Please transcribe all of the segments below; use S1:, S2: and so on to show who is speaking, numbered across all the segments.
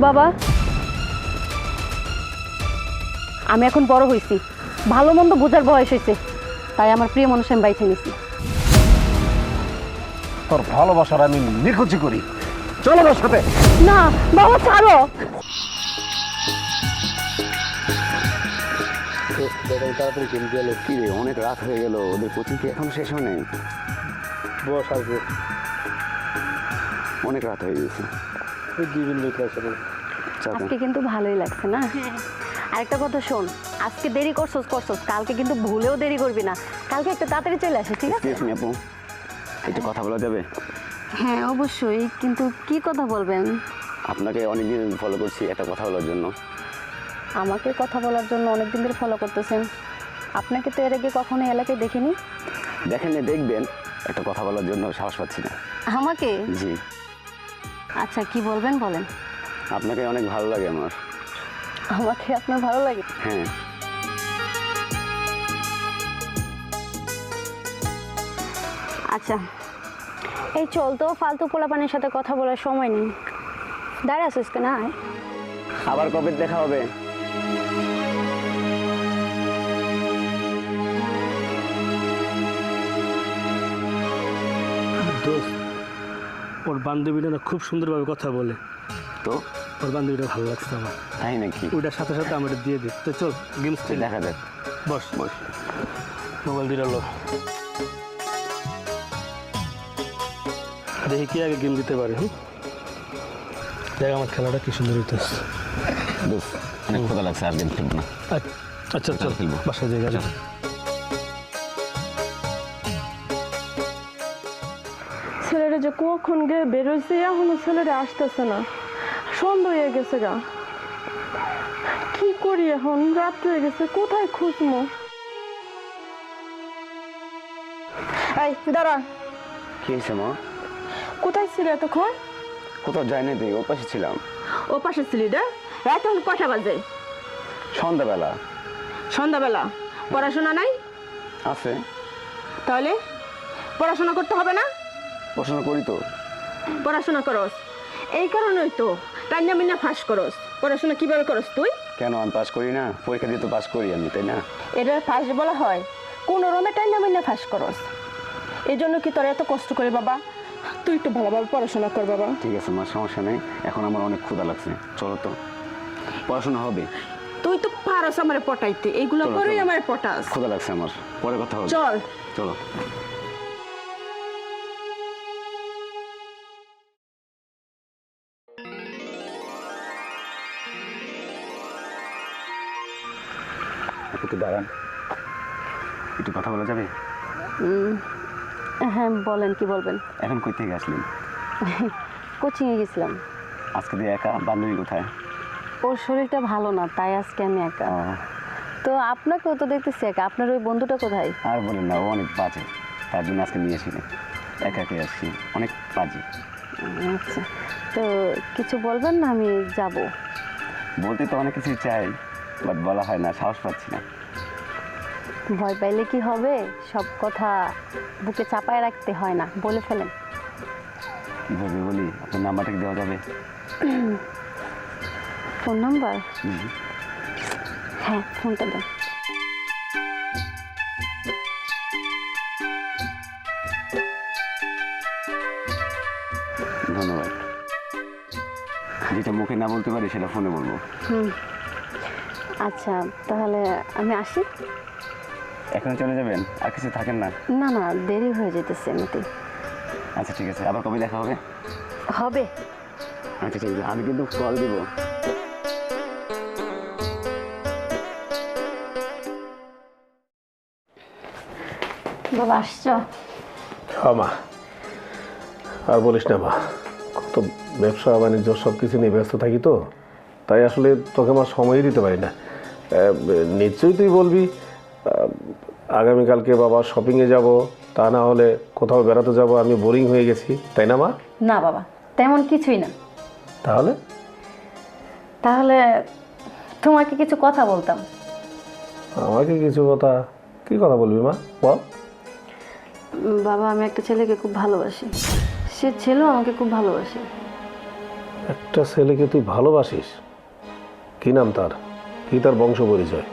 S1: বাবা, আমি এখন বড় হয়েছি, ভালো মন্দ বোঝার বয়স হয়েছে, তাই আমার প্রিয় মানুষ আমি বাইছে নিছি।
S2: তোর ভালোবাসার আমি নিখুঁজি করি, চলো আমার সাথে।
S1: না বাবা, ছাড়ো।
S3: তাড়াতাড়ি কিনে গেল কি রে, অনেক রাত হয়ে গেল, ওদের কোচিং কি এখন শেষ হয় নাই?
S2: বস আসবে,
S3: অনেক রাত হয়ে গেছে।
S1: আজকে কিন্তু ভালোই লাগছে না? আরেকটা কথা শোন, আজকে দেরি করছস, কালকে কিন্তু ভুলেও দেরি করবি না, কালকে একটু তাড়াতাড়ি চলে আসে, ঠিক আছে?
S3: আপু, একটু কথা বলা যাবে?
S1: হ্যাঁ অবশ্যই, কিন্তু কি কথা বলবেন?
S3: আপনাকে অনেকদিন ফলো করছি একটা কথা বলার জন্য।
S1: আমাকে কথা বলার জন্য অনেকদিন ধরে ফলো করতেছেন? আপনাকে তো এর আগে কখনো এলাকায় দেখিনি।
S3: দেখেন, দেখবেন, একটা কথা বলার জন্য সাহস পাচ্ছি না।
S1: আমাকে?
S3: জি।
S1: আচ্ছা, কি বলবেন বলেন।
S3: আপনাকে অনেক ভালো লাগে আমার।
S1: আমাকে আপনার ভালো লাগে?
S3: হ্যাঁ।
S1: আচ্ছা, এই চল তো, ফালতু পোলাপানের সাথে কথা বলার সময় নেই, দাঁড়া আসিস কেন?
S3: আবার কবে দেখা হবে?
S2: দোস্ত, ওর বান্ধবীটা না খুব সুন্দরভাবে কথা বলে,
S3: তো
S2: ওর বান্ধবীটা ভালো লাগছে আমার।
S3: তাই নাকি?
S2: ওইটার সাথে সাথে আমার দিয়ে দিই। তো চল গেমস খেলি।
S3: দেখা যাক।
S2: বস
S3: বস।
S2: মোবাইল দিয়ে লো, দেখি কি আগে গেম দিতে পারে। দেখ আমার খেলাটা কি সুন্দর হইতেছে।
S3: দোস্ত, অনেক ক্ষুধা লাগছে, আর গেম খেলবো না।
S2: আচ্ছা চল
S3: খেলবো,
S2: বাসায় জায়গা যা।
S4: ছেলেটা যে কখন গিয়ে বেরোইছে, এখনো ছেলেটা আসতেছে না, সন্ধ্যা হয়ে গেছে গা। কি করি এখন, রাত হয়ে গেছে, কোথায় খুঁজবো? এই দাঁড়া,
S3: কি হয়েছে মা?
S4: কোথায় ছিলে এতক্ষণ?
S3: কোথাও যাই নাই, তুই ওর পাশে ছিলাম।
S4: ও পাশে ছিলি রে? রাত এখন কটা বাজে?
S3: সন্ধ্যাবেলা।
S4: সন্ধ্যাবেলা? পড়াশোনা নাই?
S3: আছে।
S4: তাহলে পড়াশোনা করতে হবে না?
S3: পড়াশোনা করি তো।
S4: পড়াশোনা করস, এই কারণেই তো টাইনা মিনা ফাঁস করস। পড়াশোনা কিভাবে করস তুই?
S3: কেন আমি পাস করি না? পরীক্ষা দিয়ে তো পাস করি আমি, তাই না?
S4: এটা ফাঁস বলা হয়? কোন রমে টাইনা মিনা ফাঁস করস, এই জন্য কি তোর এত কষ্ট করে? বাবা তুই একটু ভালোভাবে পড়াশোনা কর বাবা।
S3: ঠিক আছে মা, সমস্যা নেই, এখন আমার অনেক ক্ষুধা লাগছে, চলো তো, পড়াশোনা হবে।
S4: তুই তো পারস আমারে পটাইতে, এইগুলো
S3: চলো,
S4: করেই
S3: চলো।
S4: আমারে পটাস।
S3: ক্ষুধা লাগছে আমার, পরে কথা হবে।
S4: চল
S3: চলো। একটু দাঁড়ান, একটু কথা বলা যাবে?
S1: হ্যাঁ বলেন, কি বলবেন?
S3: এখন কই থেকে আসলেন?
S1: কোচিংয়ে গেছিলাম।
S3: আজকে দিয়ে একা? বান্ধবী কোথায়?
S1: ওর শরীরটা ভালো না, তাই আজকে আমি একা। তো আপনাকেও তো দেখতেছি একা, আপনার ওই বন্ধুটা কোথায়?
S3: আর বলেন না, ও অনেক বাজে, তার জন্য আজকে নিয়ে আসিনি, একা একাই আসছি, অনেক বাজে।
S1: আচ্ছা, তো কিছু বলবেন না, আমি যাব।
S3: বলতে তো অনেক কিছুই চাই, বাট বলা হয় না, সাহস পাচ্ছি না।
S1: ভয় পাইলে কি হবে, সব কথা বুকে চাপায় রাখতে হয় না, বলে ফেলেন।
S3: কীভাবে বলি? আপনার নাম্বারটা কি দেওয়া যাবে?
S1: Phone number? হ্যাঁ, ফোনটা দেন।
S3: ধন্যবাদ। যেটা মুখে না বলতে পারি সেটা ফোনে বলবো।
S1: আচ্ছা, তাহলে আমি আসি।
S3: এখন চলে যাবেন? আর কিছু থাকেন না?
S1: না না, দেরি হয়ে যেতেছে এমনিতেই।
S3: আচ্ছা ঠিক আছে, আবার কবে দেখা হবে?
S1: হবে।
S3: আচ্ছা ঠিক আছে, আমি কিন্তু কল দিব।
S1: বাবা আসছো?
S2: হ্যাঁ মা, আর বলিস না মা, কত ব্যবসা বাণিজ্য সব কিছু নিয়ে ব্যস্ত থাকি তো, তাই আসলে তোকে আমার সময়ই দিতে পারি না। নিশ্চয়ই তুই বলবি আগামীকালকে বাবা শপিংয়ে যাব, তা না হলে কোথাও বেড়াতে যাব, আমি বোরিং হয়ে গেছি, তাই না মা?
S1: না বাবা, তেমন কিছুই না।
S2: তাহলে
S1: তাহলে তোমাকে কিছু কথা বলতাম।
S2: আমাকে কিছু কথা? কি কথা বলবি মা, বল।
S1: বাবা, আমি একটা ছেলেকে খুব ভালোবাসি, সে ছেলেও আমাকে খুব ভালোবাসে।
S2: একটা ছেলেকে তুই ভালোবাসিস? কি নাম তার? কি তার বংশ পরিচয়?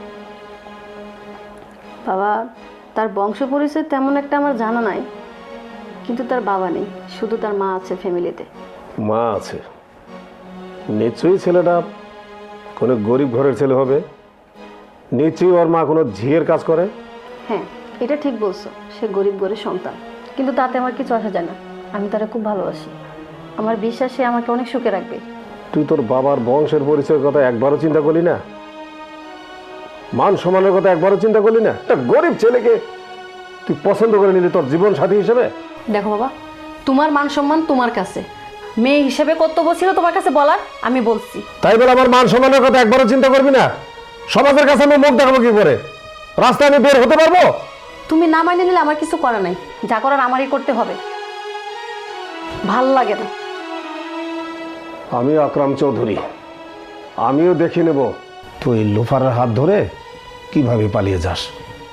S1: বাবা, তার বংশ পরিচয় তেমন একটা আমার জানা নাই, কিন্তু তার বাবা নেই, শুধু তার মা আছে ফ্যামিলিতে।
S2: মা আছে? নিশ্চয়ই ছেলেটা কোনো গরিব ঘরের ছেলে হবে। নিশ্চয়ই ওর মা কোনো ঝিয়ের কাজ করে।
S1: হ্যাঁ, এটা ঠিক বলছো, সে গরিব ঘরের সন্তান, কিন্তু তাতে আমার কিছু আসা যায় না। আমি তারা খুব ভালোবাসি, আমার বিশ্বাস সে আমাকে অনেক সুখে রাখবে।
S2: তুই তোর বাবার বংশের পরিচয়ের কথা একবারও চিন্তা করলি না? মান সম্মানের কথা একবারও চিন্তা করলি না? একটা গরিব ছেলেকে তুই পছন্দ করে নিলি তোর জীবন সাথী হিসেবে।
S1: দেখো বাবা, তোমার মান সম্মান তোমার কাছে, মেয়ে হিসেবে কর্তব্য ছিল তোমার কাছে বলার, আমি বলছি।
S2: তাই বলে আমার মান সম্মানের কথা একবারও চিন্তা করবি না? সমাজের কাছে আমি মুখ দেখাবো কি করে? রাস্তায় আমি বের হতে পারবো?
S1: তুমি না মাইনে নিলে আমার কিছু করার নাই, যা করার আমারই করতে হবে। ভাল লাগে না।
S2: আমি আকরাম চৌধুরী, আমিও দেখে নেব তুই লোফারের হাত ধরে কিভাবে পালিয়ে যাস।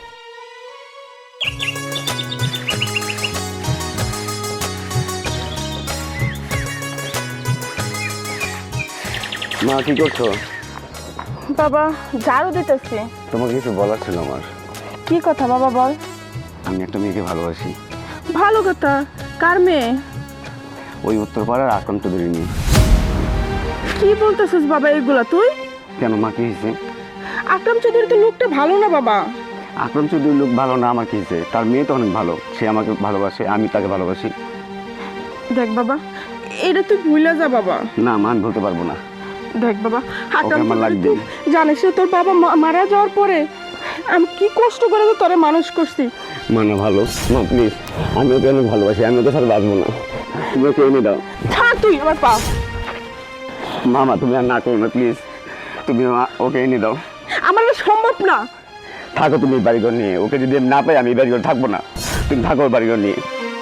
S3: মা কি করছো?
S4: বাবা ঝাড়ু দিতেছি।
S3: তোমাকে কিছু বলার ছিল আমার।
S4: কি কথা বাবা বল।
S3: আমি একটা মেয়েকে ভালোবাসি।
S4: ভালো কথা, কার মেয়ে?
S3: ওই উত্তরপাড়ার আকরাম চৌধুরী নিয়ে।
S4: কি বলতেছিস বাবা এগুলা তুই?
S3: কেন মা, কি হয়েছে?
S4: আকরাম চৌধুরী তো লোকটা ভালো না বাবা।
S3: আকরাম চৌধুরীর লোক ভালো না, আমার কি হয়েছে? তার মেয়ে তো অনেক ভালো, সে আমাকে ভালোবাসে, আমি তাকে ভালোবাসি।
S4: দেখ বাবা, এটা তুই ভুলে যা বাবা।
S3: না মা, আমি বলতে পারবো না।
S4: দেখ বাবা, আকরাম
S3: আমার
S4: চৌধুরী
S3: লাগবে।
S4: তুই জানিস না, তোর বাবা মারা যাওয়ার পরে আমি কি কষ্ট করে তো তোরে মানুষ করছি।
S3: মা না, ভালো মা, প্লিজ, আমি ওকে অনেক ভালোবাসি, আমি ওকে ছাড়া বাঁচবো না। তুমি ওকে এনে দাও।
S4: থাক তুই আমার পা।
S3: মামা তুমি আর না করো না, প্লিজ, তুমি ওকে এনে দাও।
S4: আমার এটা সম্ভব না।
S3: থাকো তুমি বাড়িঘর নিয়ে, ওকে যদি আমি না পাই আমি বাড়িঘর থাকবো না। তুমি থাকো বাড়িঘর নিয়ে।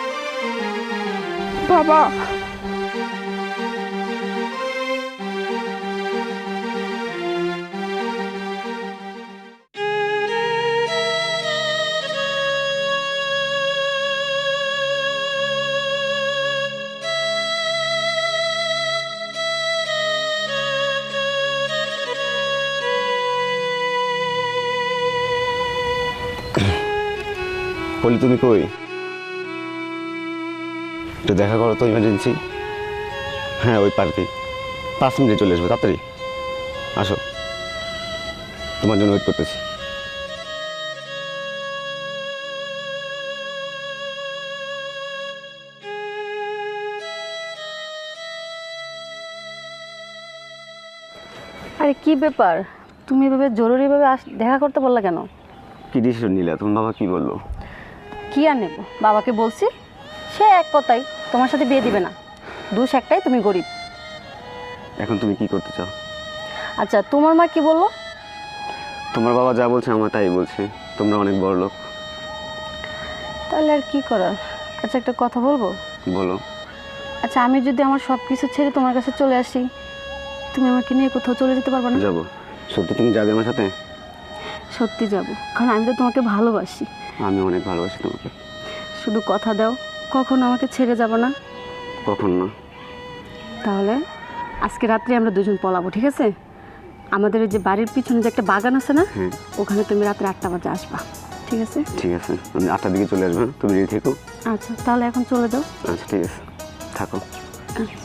S4: বাবা
S3: বলি তুমি কই? একটু দেখা করো তো, ইমার্জেন্সি। হ্যাঁ, ওই পার্কে 5 মিনিটে চলে আসবে, তাড়াতাড়ি আসো, তোমার জন্য ওয়েট করতেছি।
S1: আরে কি ব্যাপার, তুমি এভাবে জরুরিভাবে দেখা করতে বললা কেন?
S3: কি ডিসিশন নিলে? তোমার বাবা কি বললো?
S1: কি আর নেব, বাবাকে বলছি, সে এক কথাই তোমার সাথে বিয়ে দিবে না। দোষ একটাই, তুমি গরিব।
S3: এখন তুমি কি করতে চাও?
S1: আচ্ছা, তোমার মা কি বললো?
S3: তোমার বাবা যা বলছে আমার তাই বলছে, তোমরা অনেক বড় লোক।
S1: তাহলে আর কি করার। আচ্ছা, একটা কথা বলবো?
S3: বলো।
S1: আচ্ছা, আমি যদি আমার সব কিছু ছেড়ে তোমার কাছে চলে আসি, তুমি আমাকে নিয়ে কোথাও চলে যেতে পারবে না?
S3: যাবো। সত্যি তুমি যাবে আমার সাথে?
S1: সত্যি যাব, কারণ আমি তো তোমাকে ভালোবাসি।
S3: আমি অনেক ভালোবাসি তোমাকে।
S1: শুধু কথা দাও, কখনো আমাকে ছেড়ে যাব না।
S3: কখন না?
S1: তাহলে আজকে রাত্রে আমরা দুজন পলাবো, ঠিক আছে? আমাদের এই যে বাড়ির পিছনে যে একটা বাগান আছে না,
S3: হ্যাঁ।
S1: ওখানে তুমি রাত্রে 8টা বাজে আসবা, ঠিক আছে?
S3: ঠিক আছে, আমি 8টার দিকে চলে আসবো, তুমি রেডি থেকো।
S1: আচ্ছা, তাহলে এখন চলে যাও।
S3: আচ্ছা ঠিক আছে, থাকো।
S1: আচ্ছা।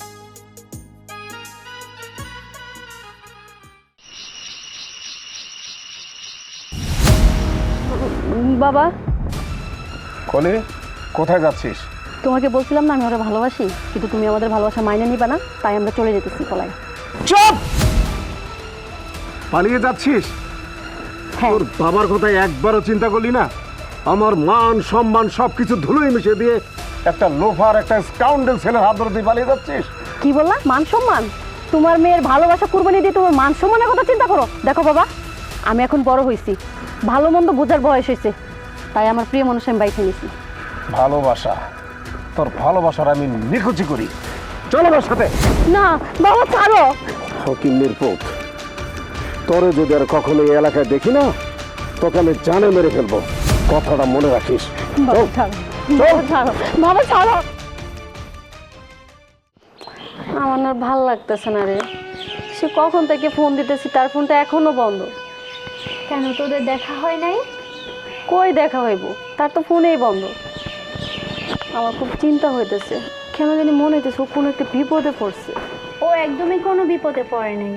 S1: বাবা,
S2: কলি, কোথায় যাচ্ছিস?
S1: তোমাকে বলছিলাম না আমি ওরা ভালোবাসি, কিন্তু তুমি আমাদের ভালোবাসা মাইনে নিবা না, তাই আমরা চলে যেতেছি পলাই।
S2: চুপ! পালিয়ে যাচ্ছিস?
S1: হ্যাঁ।
S2: তোর বাবার কথা একবারও চিন্তা করলি না? আমার মান সম্মান সবকিছু ধুলোয় মিশিয়ে দিয়ে একটা লোফার, একটা স্কাউন্ডেল ছেলের হাত ধরে তুই পালিয়ে যাচ্ছিস?
S1: কি বললা? মান সম্মান? তোমার মেয়ের ভালোবাসা কুরবানি দিয়ে তোমার মান সম্মানের কথা চিন্তা করো? দেখো বাবা, আমি এখন বড় হয়েছি, ভালো মন্দ বোঝার বয়স হয়েছে, তাই আমার প্রিয় মানুষ আমি বাইকে নিয়েছি।
S2: ভালোবাসা? তোর ভালোবাসার আমি নিখুচি করি। চলো আমার সাথে।
S1: না বাবা, ছাড়ো।
S2: ফকিন্নির পুত, তোরে যদি আর কখনো এই এলাকায় দেখি না, তোকে আমি জানে মেরে ফেলবো, কথাটা মনে রাখিস।
S1: বাবা ছাড়ো, বাবা ছাড়ো, বাবা ছাড়ো। আমার না ভাল লাগতেছে না রে। সে কখন থেকে ফোন দিতেছি, তার ফোনটা এখনো বন্ধ।
S5: কেন তোদের দেখা হয় নাই?
S1: কই দেখা হইব, তার তো ফোনেই বন্ধ। আমার খুব চিন্তা হইতেছে, কেন জানি মনে হইতেছে ও কোনো একটা বিপদে পড়ছে।
S5: ও একদমই কোনো বিপদে পড়ে নাই।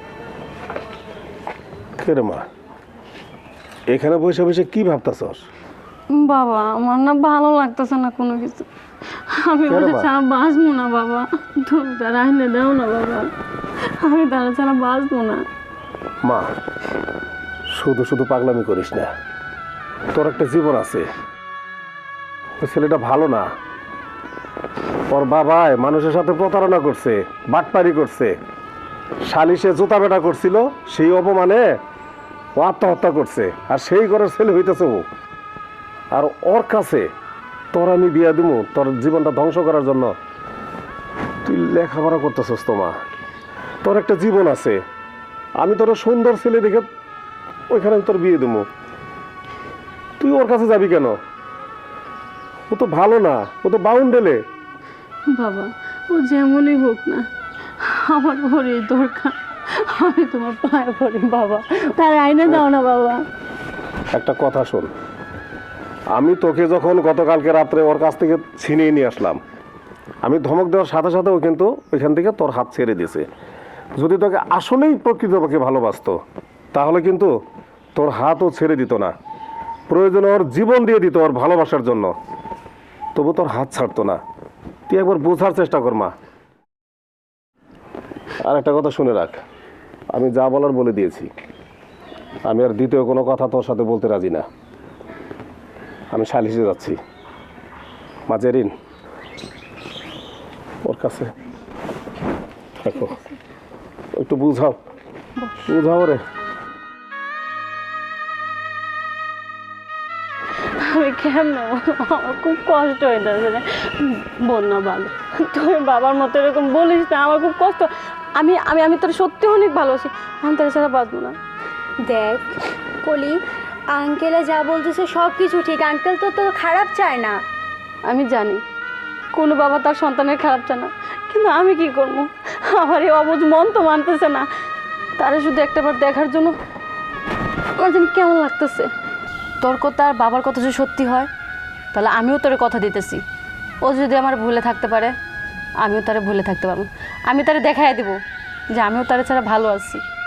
S2: কে রে মা, এখানে বসে বসে কি ভাবতাছস?
S1: বাবা আমার না ভালো লাগতেছে না কোনো কিছু। আমি
S2: কেন
S1: ওটা
S2: মা?
S1: ছাড়া বাঁচবো না বাবা। তুমি তারা আইনে দাও না বাবা, আমি তারা ছাড়া বাঁচবো না।
S2: মা, শুধু শুধু পাগলামি করিস না, তোর একটা জীবন আছে। ওই ছেলেটা ভালো না, ওর বাবাই মানুষের সাথে প্রতারণা করছে, বাটপারি করছে, সালিশে জুতা বেটা করছিল, সেই অপমানে ও আত্মহত্যা করছে। আর সেই ঘরের ছেলে হইতেছে ও। আর ওর কাছে তোর আমি বিয়া দিব তোর জীবনটা ধ্বংস করার জন্য? তুই লেখাপড়া করতেছস তো মা, তোর একটা জীবন আছে। আমি তোর সুন্দর ছেলে দেখে ওইখানে আমি তোর বিয়ে দেবো, তুই ওর কাছে যাবি কেন? ও তো ভালো না, ও তো বাউন্ডেলে।
S1: বাবা ও যেমনই হোক না, আমার ঘরে দরকার। আমি তোমার পায়ে পড়ি বাবা, তার আইনে দাও না বাবা।
S2: একটা কথা শোন, আমি তোকে যখন গতকালকে রাত্রে ওর কাছ থেকে ছিনিয়ে নিয়ে আসলাম, আমি ধমক দেওয়ার সাথে সাথে ও কিন্তু ওইখান থেকে তোর হাত ছেড়ে দিয়েছে। যদি তোকে আসলেই প্রকৃতপক্ষে ভালোবাসতো তাহলে কিন্তু তোর হাতও ছেড়ে দিত না, প্রয়োজনে ওর জীবন দিয়ে দিত ওর ভালোবাসার জন্য, তবু তোর হাত ছাড়তো না। তুই একবার বোঝার চেষ্টা কর মা। আর একটা কথা শুনে রাখ, আমি যা বলার বলে দিয়েছি। আমি আর দ্বিতীয় কোনো কথা তোর সাথে বলতে রাজি না। আমি সালিশে যাচ্ছি। মা জেরিন, ওর কাছে থাকো, একটু বুঝাও, বুঝাও রে।
S1: আমি কেমন, আমার খুব কষ্ট হইতেছে রে। বোন না ভালো, তুই বাবার মতো এরকম বলিস না, আমার খুব কষ্ট। আমি আমি আমি তোর সত্যি অনেক ভালোবাসি, আমি তোর ছাড়া বাঁচবো না।
S5: দেখ কলি, আঙ্কেলে যা বলতেছে সব কিছু ঠিক। আঙ্কেল তো তো খারাপ চায় না।
S1: আমি জানি কোনো বাবা তার সন্তানের খারাপ চায় না, কিন্তু আমি কি করবো? আমার এই অবুঝ মন তো মানতেছে না। তারা শুধু একটাবার দেখার জন্য আমার যেন কেমন লাগতেছে। তোর কথা আর বাবার কথা যদি সত্যি হয়, তাহলে আমিও তোর কথা দিতেছি। ও যদি আমার ভুলে থাকতে পারে, আমিও তারে ভুলে থাকতে পারবো। আমি তারে দেখাই দিব যে আমিও তারে ছাড়া ভালো আছি।